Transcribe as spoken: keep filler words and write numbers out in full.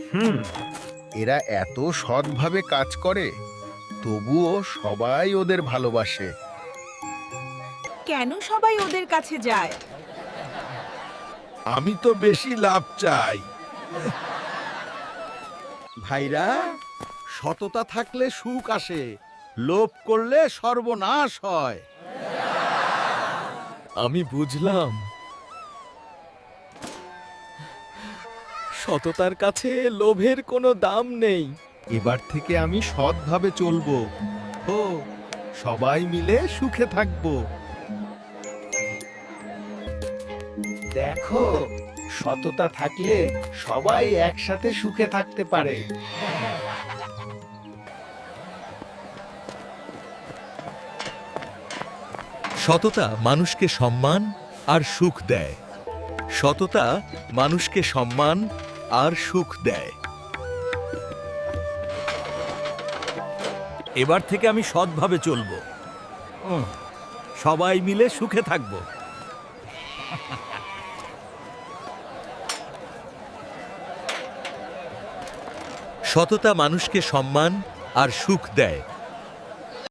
হুম এরা এত সৎভাবে কাজ করে, তবুও সবাই ওদের ভালোবাসে। কেন সবাই ওদের কাছে যায়? আমি তো বেশি লাভ চাই। ভাইরা, সততা থাকলে সুখ আসে, লোভ করলে সর্বনাশ হয়। আমি বুঝলাম, সততার কাছে লোভের কোনো দাম নেই। এবার থেকে আমি সৎভাবে চলবো। ও সবাই মিলে সুখে থাকবো। দেখো, সততা থাকলে সবাই একসাথে সুখে থাকতে পারে। সততা মানুষকে সম্মান আর সুখ দেয়। সততা মানুষকে সম্মান আর সুখ দেয়। এবার থেকে আমি সৎভাবে চলবো। উম, সবাই মিলে সুখে থাকবো। সততা মানুষকে সম্মান আর সুখ দেয়।